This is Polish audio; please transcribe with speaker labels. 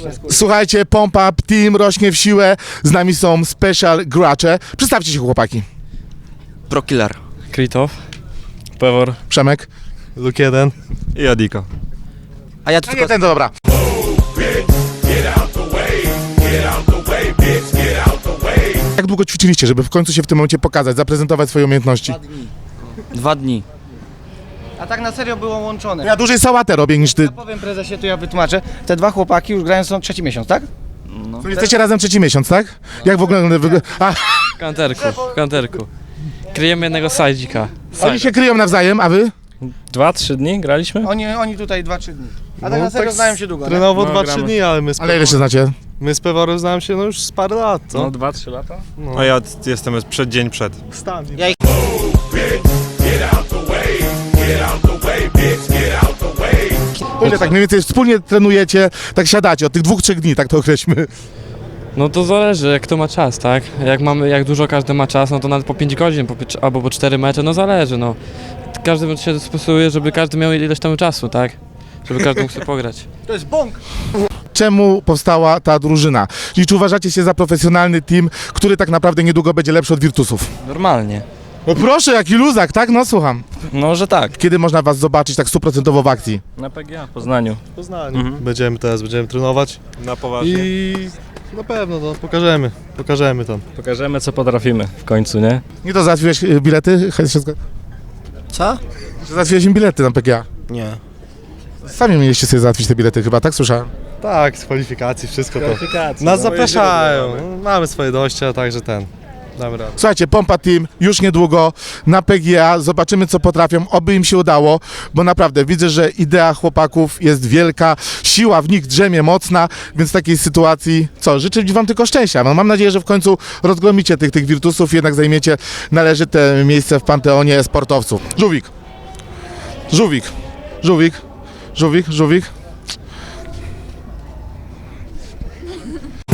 Speaker 1: Słuchajcie, Pump Up Team rośnie w siłę, z nami są special gracze. Przedstawcie się, chłopaki.
Speaker 2: Prokiller.
Speaker 3: Kritow, Pewor,
Speaker 1: Przemek.
Speaker 4: Luke 1
Speaker 2: I Adika. A ja tu
Speaker 1: A nie,
Speaker 2: tylko...
Speaker 1: ten to dobra. Jak długo ćwiczyliście, żeby w końcu się w tym momencie pokazać, zaprezentować swoje umiejętności?
Speaker 2: 2 dni.
Speaker 5: A tak na serio było łączone.
Speaker 1: Ja dłużej sałatę robię niż ty.
Speaker 5: Ja powiem prezesie, to ja wytłumaczę. Te dwa chłopaki już grają są trzeci miesiąc, tak?
Speaker 1: To jesteście razem trzeci miesiąc, tak? Jak w ogóle wygląda?
Speaker 3: w kanterku. Kryjemy jednego sajdzika.
Speaker 1: Oni się kryją nawzajem, a wy?
Speaker 3: 2-3 dni graliśmy?
Speaker 5: Oni tutaj 2-3 dni. A tak na serio znają się długo, nie?
Speaker 4: Trenowo
Speaker 3: No,
Speaker 4: 2-3
Speaker 3: gramy.
Speaker 4: dni, ale my z,
Speaker 1: Ale ile się znacie?
Speaker 4: my z Peworem znam się no już z parę lat, co?
Speaker 3: 2-3 lata.
Speaker 2: A ja jestem przed dzień przed.
Speaker 4: Stan.
Speaker 1: To ile tak mniej więcej wspólnie trenujecie, tak siadacie od tych 2-3 dni, tak to określmy.
Speaker 3: No to zależy, jak kto ma czas, tak? Jak dużo każdy ma czas, no to nawet po 5 godzin, albo po 4 mecze, no zależy, no. Każdy się stosuje, żeby każdy miał ileś tam czasu, tak? Żeby każdy mógł sobie pograć.
Speaker 5: To jest bąk.
Speaker 1: Czemu powstała ta drużyna? Czyli czy uważacie się za profesjonalny team, który tak naprawdę niedługo będzie lepszy od Virtusów?
Speaker 3: Normalnie.
Speaker 1: No proszę, jaki luzak, tak? No słucham.
Speaker 3: No, że tak.
Speaker 1: Kiedy można was zobaczyć tak 100% w akcji?
Speaker 3: Na PGA, w Poznaniu.
Speaker 4: W Poznaniu. Będziemy trenować
Speaker 2: Na poważnie.
Speaker 4: i na pewno no, pokażemy tam.
Speaker 3: Pokażemy, co potrafimy w końcu, nie?
Speaker 1: Nie to załatwiłeś bilety?
Speaker 5: Co?
Speaker 1: Czy załatwiłeś im bilety na PGA?
Speaker 5: Nie.
Speaker 1: Sami mieliście sobie załatwić te bilety chyba, tak słyszałem?
Speaker 4: Tak, z kwalifikacji, wszystko to.
Speaker 3: Kwalifikacje.
Speaker 4: Nas zapraszają, mamy swoje dojścia, także damy radę.
Speaker 1: Słuchajcie, Pompa Team już niedługo na PGA, zobaczymy co potrafią, oby im się udało, bo naprawdę widzę, że idea chłopaków jest wielka, siła w nich drzemie mocna, więc w takiej sytuacji, życzę wam tylko szczęścia. No, mam nadzieję, że w końcu rozgromicie tych Virtusów i jednak zajmiecie należyte miejsce w panteonie sportowców. Żółwik. Żółwik. Żółwik. Żółwik. Żółwik.